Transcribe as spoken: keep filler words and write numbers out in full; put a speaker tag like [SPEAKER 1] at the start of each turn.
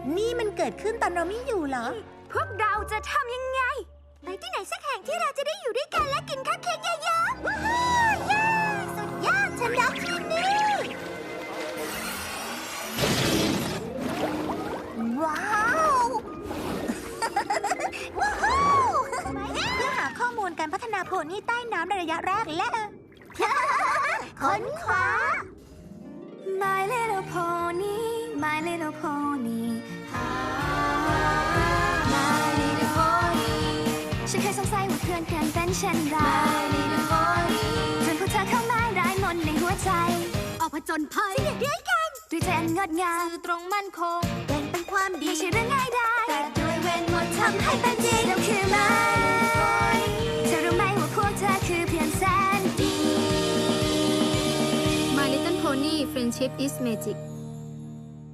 [SPEAKER 1] นี่มันเกิดขึ้นตอนเราไม่อยู่เหรอ
[SPEAKER 2] พวกเราจะทำยังไง ไปที่ไหนสักแห่งที่เราจะได้อยู่ด้วยกันและกินข้าวเค้กเยอะๆว้าวเย้สุดยอดฉันรักที่นี่ว้าวว้าวเพื่อหาข้อมูลการพัฒนาโพนี่ใต้น้ำในระยะแรกและค้นคว้า My little pony My little pony My little pony ฉันเคยสงสัยว่าเพื่อนกันเป็นเช่นไร My little pony จนพวกเธอเข้ามาได้มนต์ในหัวใจ ออกผจญภัยด้วยกันด้วยใจอันงดงามสื่อตรงมั่นคงเป็นเป็นความดีไม่ใช่เรื่องง่ายได้แต่ด้วยเวทมนต์ทำให้เป็นจริงเราคือ My little pony เธอรู้ไหมว่าพวกเธอคือเพื่อนแสนดี
[SPEAKER 3] My Little Pony Friendship is Magic